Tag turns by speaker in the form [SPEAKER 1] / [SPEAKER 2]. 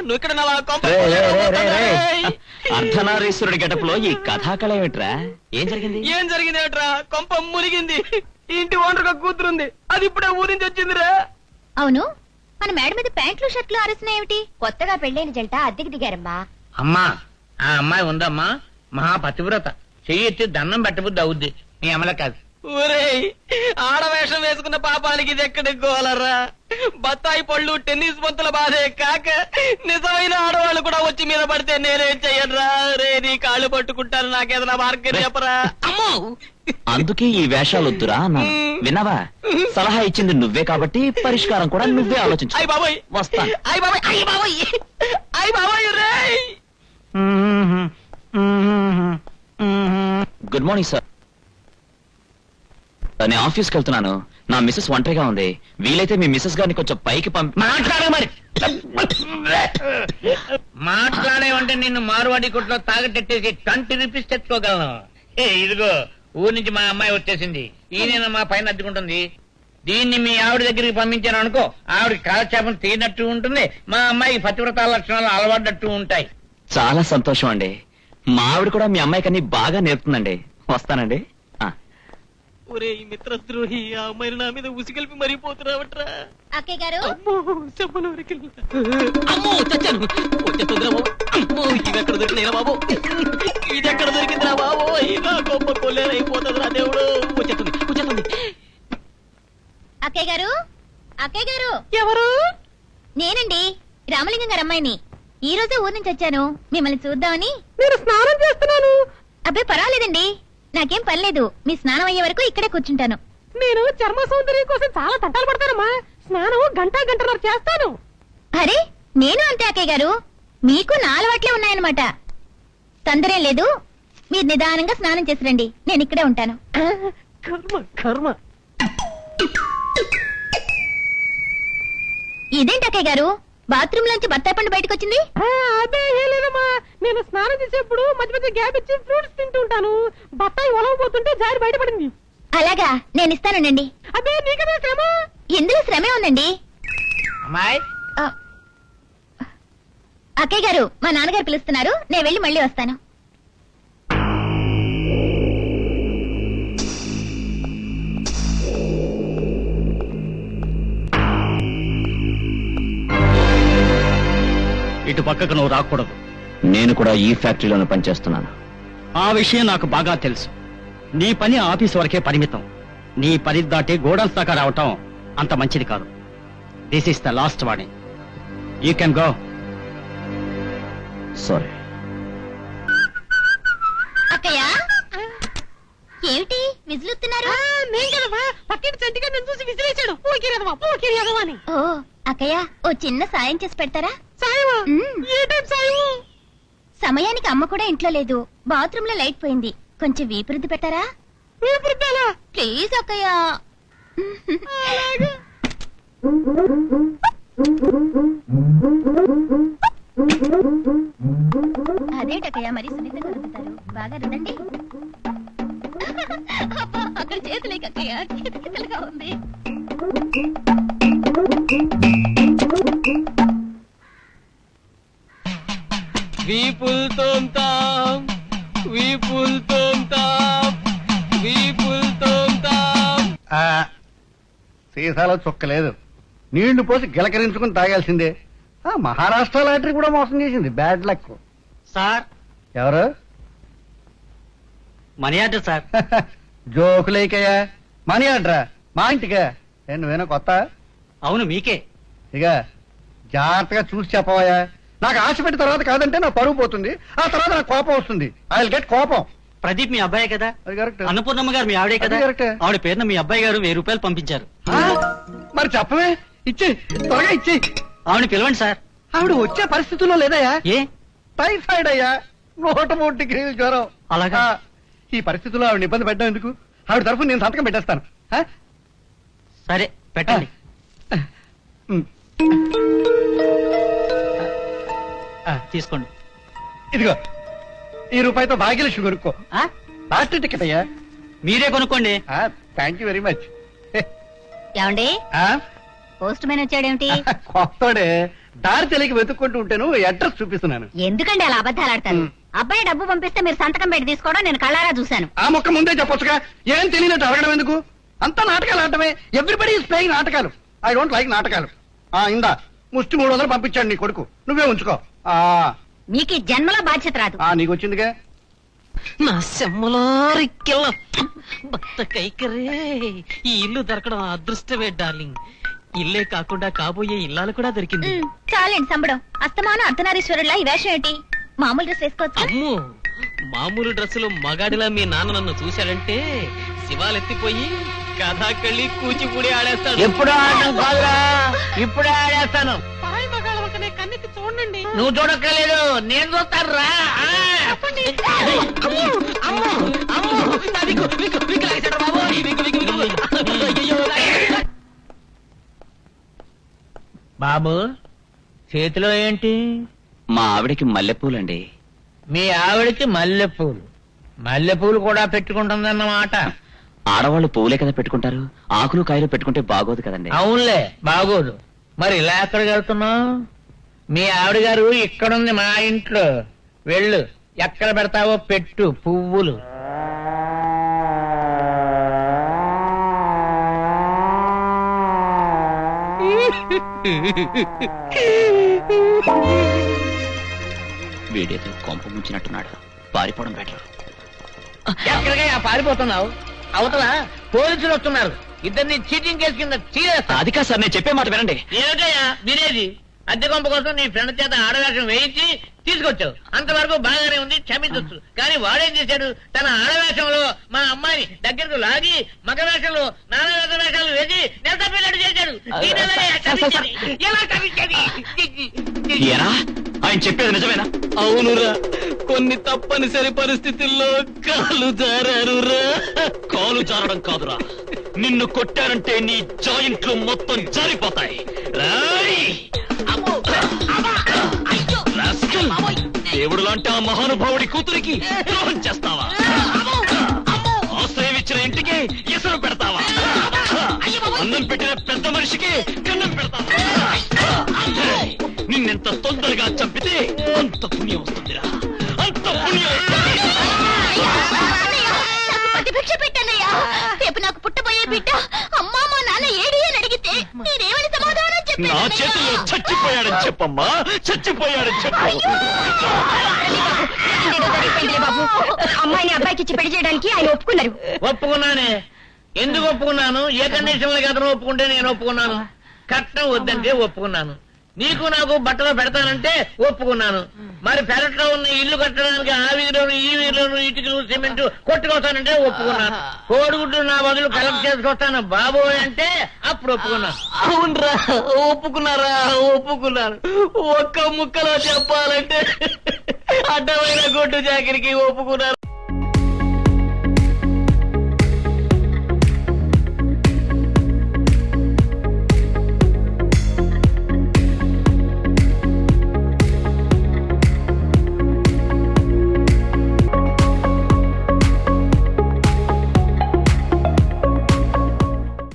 [SPEAKER 1] నువ్వు ఇక్కడ
[SPEAKER 2] అర్ధనారీశ్వరుడి గెటప్లో ఈ కథాకళ ఏమిట్రా? ఏం జరిగింది?
[SPEAKER 1] ఏం జరిగింది ఏమిట్రా? కొంప మునిగింది. ఇంటి ఓనర్గా కూతురుంది, అది ఇప్పుడే ఊరించి వచ్చిందిరా.
[SPEAKER 3] అవును, మన మేడ మీద ప్యాంట్లు షర్ట్లు ఆరేసినాయేమిటి? కొత్తగా పెళ్ళైన జంట అద్దెకి దిగారమ్మా.
[SPEAKER 4] అమ్మా, ఆ అమ్మాయి ఉందమ్మా, మహా పతివ్రత. చెయ్యి దండం పెట్టబుద్ది అవుద్ది. నీ అమల కాదు.
[SPEAKER 1] ఊరేయ్, ఆడవేషం వేసుకున్న పాపానికి ఇది ఎక్కడికి గోలరా? బత్తాయి పళ్ళు టెన్నిస్ బంతుల బాధే కాక నిజమైన ఆడవాళ్ళు కూడా వచ్చి మీద పడితే నేనేం చెయ్యనురా? రే, నీ కాళ్ళు పట్టుకుంటాను, నాకేదైనా మార్గం చెప్పరా? అమ్మో,
[SPEAKER 2] అందుకే ఈ వేషాలు వద్దురా అన్నా. విన్నావా? సలహా ఇచ్చింది నువ్వే కాబట్టి పరిష్కారం కూడా నువ్వే ఆలోచించు.
[SPEAKER 1] అయ్ బాబోయ్,
[SPEAKER 2] వస్తా.
[SPEAKER 1] అయ్ బాబోయ్, అయ్ బాబోయ్, అయ్ బాబోయ్. రేయ్,
[SPEAKER 2] గుడ్ మార్నింగ్ సార్. నేను ఆఫీస్కి వెళ్తున్నాను. నా మిస్సెస్ ఒంటరిగా ఉంది. వీలైతే మీ మిస్సెస్ గారిని కొంచెం పైకి
[SPEAKER 4] మాట్లాడే మరి మాట్లాడేవంటే నిన్ను మార్వాడి కొట్లో తాగటెట్టేసి 20 రూపీస్ తెచ్చుకోగలను. ఇదిగో, ఊరి నుంచి మా అమ్మాయి వచ్చేసింది. ఈయన మా పైన అద్దుకుంటుంది. దీన్ని మీ ఆవిడ దగ్గరికి పంపించాను అనుకో, ఆవిడ కాలక్షేపం తీరినట్టు ఉంటుంది, మా అమ్మాయి పతివ్రత లక్షణాలు అలవాడినట్టు ఉంటాయి.
[SPEAKER 2] చాలా సంతోషం అండి. మా ఆవిడ కూడా మీ అమ్మాయికి అన్ని బాగా నేర్పుతుందండి. వస్తానండి.
[SPEAKER 1] ఒరే ఈ మిత్రద్రోహి, ఆ అమ్మాయిని నా మీద ఉసిగలిపి మరిపోతున్నావట్రా.
[SPEAKER 3] అక్కయ్య గారు,
[SPEAKER 1] అమ్మో చచ్చాను. వచ్చేస్తుందిరా బాబు. అమ్మో, ఇది ఎక్కడ దొరికిందిరా బాబు? ఇది ఎక్కడ దొరికిందిరా బాబు? ఇలా గొప్ప కొల్లేరైపోతుందిరా దేవుడు. వచ్చేస్తుంది.
[SPEAKER 3] అక్కయ్య గారు, అక్కయ్య గారు.
[SPEAKER 1] ఎవరు?
[SPEAKER 3] నేనండి, రామలింగం గారు అమ్మాయిని. ఈ రోజే ఊరి నుంచి వచ్చాను, మిమ్మల్ని చూద్దామని.
[SPEAKER 1] నేను స్నానం చేస్తున్నాను.
[SPEAKER 3] అబ్బే పర్వాలేదండి, నాకేం పర్లేదు. మీ స్నానం అయ్యే వరకు ఇక్కడే కూర్చుంటాను.
[SPEAKER 1] నేను చర్మ సౌందర్యం కోసం చాలా తంటాలు పడతానమ్మా. స్నానం గంటన్నర చేస్తాను.
[SPEAKER 3] అరే, నేను అంతే అక్కయ్య గారు. మీకు నా అలవాట్లే ఉన్నాయన్నమాట. తొందరే లేదు, మీరు నిదానంగా స్నానం చేసి రండి, నేను ఇక్కడే ఉంటాను.
[SPEAKER 1] కర్మ.
[SPEAKER 3] ఇదేంటి అక్కయ్య గారు, బాత్రూమ్ లోంచి బత్తాయి పండు బయటకు వచ్చింది?
[SPEAKER 1] అదే లేదమ్మా, నేను స్నానం చేసేప్పుడు మధ్య మధ్య గ్యాప్ ఇచ్చి ఫ్రూట్స్ తింటూ ఉంటాను. బత్తాయి ఒలవబోతుంటే జారి బయటపడింది.
[SPEAKER 3] అలాగా, నేను ఇస్తానండి.
[SPEAKER 1] అదే నీకదే శ్రమ.
[SPEAKER 3] ఇందులో శ్రమే ఉందండి.
[SPEAKER 4] అమ్మాయి,
[SPEAKER 3] అక్కయ్య గారు, మా నాన్నగారు పిలుస్తున్నారు, నేను వెళ్ళి మళ్ళీ వస్తాను.
[SPEAKER 5] ఇటు పక్కకు నువ్వు రాకూడదు.
[SPEAKER 2] నేను కూడా ఈ ఫ్యాక్టరీలోనే పనిచేస్తున్నాను.
[SPEAKER 5] ఆ విషయం నాకు బాగా తెలుసు. నీ పని ఆఫీస్ వరకే పరిమితం. నీ పని దాటి గోడౌన్స్ దాకా రావటం అంత మంచిది కాదు. This is the last warning. You can go.
[SPEAKER 2] Sorry.
[SPEAKER 3] అక్కయ్య, ఏమిటి విసులుతున్నారు?
[SPEAKER 1] పక్కింటి చంటిగా నన్ను చూసి విసిరేశాడు.
[SPEAKER 3] ఓ అక్కయ్య, ఓ చిన్న సాయం చేసి పెడతారా? సమయానికి అమ్మ కూడా ఇంట్లో లేదు, బాత్రూమ్ లో లైట్ పోయింది, కొంచెం వీపురుద్ది పెట్టారా? ప్లీజ్ అక్కయ్య. అదేటక్కయ్య, మరి సున్నితంగా రుద్దుతారు. బాగా రుద్దండి. అక్కడ చేతులేకక్కయ్య, కితకితలుగా ఉంది.
[SPEAKER 1] వీపుల్ తోంతాం, వీపుల్ తోంతాం, వీపుల్ తోంతాం.
[SPEAKER 6] సీసాలో చుక్కలేదు, నీళ్లు పోసి గిలకరించుకుని తాగాల్సిందే. మహారాష్ట్ర లాటరీ కూడా మోసం చేసింది. Bad luck.
[SPEAKER 5] సార్,
[SPEAKER 6] ఎవరు?
[SPEAKER 5] Money order sir.
[SPEAKER 6] జోకులేకయ్యా, మనీ ఆర్డరా? మా ఇంటికా? నువ్వేనా కొత్త?
[SPEAKER 5] అవును, మీకే.
[SPEAKER 6] ఇక జాగ్రత్తగా చూసి చెప్పవయ్యా. నాకు ఆశ పెట్టిన తర్వాత కాదంటే నా పరువు పోతుంది, ఆ తర్వాత నాకు కోపం వస్తుంది. ఐ విల్ గెట్ కోపం.
[SPEAKER 5] ప్రదీప్ మీ అబ్బాయే కదా?
[SPEAKER 6] అది కరెక్ట్.
[SPEAKER 5] అన్నపూర్ణమ్మ గారు మీ ఆవిడే కదా? ఆవిడ పేరున మీ అబ్బాయి గారు 1000 రూపాయలు పంపించారు.
[SPEAKER 6] మరి చెప్పవే, ఇచ్చి త్వరగా ఇచ్చి.
[SPEAKER 5] ఆవిడ పిలవండి సార్.
[SPEAKER 6] ఆవిడ వచ్చే పరిస్థితుల్లో లేదయ్యా.
[SPEAKER 5] ఏ?
[SPEAKER 6] టైఫాయిడ్ అయ్యా, 103 డిగ్రీల జ్వరం.
[SPEAKER 5] అలాగా?
[SPEAKER 6] ఈ పరిస్థితుల్లో ఆవిడ ఇబ్బంది పెట్టడం ఎందుకు? ఆవిడ తరఫున నేను సంతకం పెట్టేస్తాను.
[SPEAKER 5] సరే, పెట్టండి. తీసుకోండి.
[SPEAKER 6] ఇదిగో, ఈ రూపాయితో భాగ్యలక్ష్మి కొనుక్కో. లాస్ట్ టికెట్ అయ్యా.
[SPEAKER 5] మీరే కొనుక్కోండి.
[SPEAKER 6] Thank you very much.
[SPEAKER 3] ఏమండి, పోస్ట్ మ్యాన్ వచ్చాడేమిటి?
[SPEAKER 6] కొత్తడే దారి తెలియక వెతుక్కుంటూ ఉంటాను, అడ్రస్ చూపిస్తున్నాను.
[SPEAKER 3] ఎందుకండి అలా అబద్ధాలు ఆడతారు? అబ్బాయి డబ్బు పంపిస్తే మీరు సంతకం పెట్టి తీసుకోవడం నేను కళ్ళారా చూశాను.
[SPEAKER 6] ఆ మొక్క ముందే చెప్పొచ్చుగా, ఏం తెలియనట్టు అడగడం ఎందుకు? అంతా నాటకాలు ఆడటమే. ఎవ్రీబడి ఈస్ ప్లేయింగ్ నాటకాలు. ఐ డోంట్ లైక్ నాటకాలు. ఇందా ముష్టి 300 పంపించాడు నీ కొడుకు, నువ్వే ఉంచుకో.
[SPEAKER 3] మీకు ఈ జన్మలో బాధ్యత రాదు.
[SPEAKER 6] నీకు వచ్చిందిగా.
[SPEAKER 1] నా సెమ్మలో రిక్కెళ్ళ భక్త కైకరే, ఈ ఇల్లు దొరకడం అదృష్టమే డార్లింగ్. ఇల్లే కాకుండా కాబోయే ఇల్లాలు కూడా దొరికింది.
[SPEAKER 3] చాలండి సంబడం. అస్తమానం అర్ధనారీశ్వరులా ఈ వేషం ఏంటి? మామూలు డ్రెస్ వేసుకోవచ్చు.
[SPEAKER 1] అమ్ము, మామూలు డ్రెస్సులో మగాడిలా మీ నాన్న నన్ను చూశాడంటే శివాలెత్తిపోయి కథాకళ్ళి కూచిపూడి ఆడేస్తాడు.
[SPEAKER 4] ఎప్పుడు ఆడటం కాదురా, ఇప్పుడే ఆడేస్తాను.
[SPEAKER 1] పాయి మగాళ్ళ వంకనే కన్నెత్తి చూడండి.
[SPEAKER 4] నువ్వు చూడక్కర్లేదు, నేను చూస్తాను రా. బాబు చేతిలో ఏంటి?
[SPEAKER 2] మా ఆవిడకి మల్లెపూలండి.
[SPEAKER 4] మీ ఆవిడకి మల్లెపూలు. మల్లెపూలు కూడా పెట్టుకుంటుందన్నమాట.
[SPEAKER 2] ఆడవాళ్ళు పువ్వులే కదా పెట్టుకుంటారు, ఆకులు కాయలు పెట్టుకుంటే బాగోదు కదండి.
[SPEAKER 4] అవునులే, బాగోదు. మరి ఇలా ఎక్కడికి వెళ్తున్నావు? మీ ఆవిడ గారు ఇక్కడుంది మా ఇంట్లో. వెళ్ళు, ఎక్కడ పెడతావో పెట్టు పువ్వులు.
[SPEAKER 2] వీడేదో కొంప ముంచినట్టున్నాడు, పారిపోవడం బెటర్.
[SPEAKER 4] ఎక్కడికయ్యా పారిపోతున్నావు? అవతల పోలీసులు వస్తున్నారు. ఇద్దరిని చీటింగ్ కేసు కింద చీరేస్తా.
[SPEAKER 2] అది కాదు సార్, నేను చెప్పే మాట వినండి.
[SPEAKER 4] ఏమిటయ్యా వినేది? అద్దె కొంప కోసం నీ ఫ్రెండ్ చేత ఆడవేషం వేయించి తీసుకొచ్చావు. అంతవరకు బాగానే ఉంది, క్షమించొచ్చు. కానీ వాడేం చేశాడు? తన ఆడవేషంలో మా అమ్మాయిని దగ్గరకు లాగి మగ వేషంలో నానా వేషాలు వేసి నెల తప్పినట్టు చేశాడు. దీనివల్లే క్షమించేది. ఎలా క్షమించేది?
[SPEAKER 2] ఏరా, ఆయన చెప్పేది నిజమేనా?
[SPEAKER 1] అవునురా, కొన్ని తప్పనిసరి పరిస్థితుల్లో కాలు జారారురా.
[SPEAKER 2] కాలు జారడం కాదురా, నిన్ను కొట్టారంటే నీ జాయింట్లు మొత్తం జారిపోతాయి. దేవుడు లాంటి ఆ మహానుభావుడి కూతురికి ద్రోహం చేస్తావా? ఆశ్రయం ఇచ్చిన ఇంటికి ఎసరు పెడతావా? అన్నం పెట్టిన పెద్ద మనిషికి కన్నం పెడతావా? నిన్నెంత తొందరగా చంపితే అంత పుణ్యం వస్తుందిరా, అంత పుణ్యం వస్తుంది.
[SPEAKER 3] ప్రతిభిక్ష పెట్టానయ్యా. రేపు నాకు పుట్టబోయే బిడ్డ అమ్మా మా నాన్న ఏడి అని అడిగితే నేనేమని సమాధానం
[SPEAKER 2] నా చేతుల్లో చచ్చిపోయాడని చెప్పమ్మా, చచ్చిపోయాడని చెప్పు.
[SPEAKER 3] బాబు, అమ్మాయిని అబ్బాయికి ఇచ్చి పెళ్లి చేయడానికి ఆయన ఒప్పుకున్నారు.
[SPEAKER 4] ఒప్పుకున్నానే. ఎందుకు ఒప్పుకున్నాను? ఏ కండిషన్ లకి అతను ఒప్పుకుంటే నేను ఒప్పుకున్నాను. కట్నం వద్దంటే ఒప్పుకున్నాను. నీకు నాకు బట్టలు పెడతానంటే ఒప్పుకున్నాను. మరి పెరట్లో ఉన్న ఇల్లు కట్టడానికి ఆ వీధిలోను ఈ వీధిలోను ఇటుకలు సిమెంట్ కొట్టుకొస్తానంటే ఒప్పుకున్నాను. కోడిగుడ్లు నా బదులు కలెక్ట్ చేసుకొస్తాను బాబోయ్ అంటే అప్పుడు ఒప్పుకున్నాను.
[SPEAKER 1] అవునరా, ఒప్పుకున్నారా? ఒప్పుకున్నారు. ఒక్క ముక్కలో చెప్పాలంటే అడ్డమైన గొడ్డు జాకిరికి ఒప్పుకున్నారు.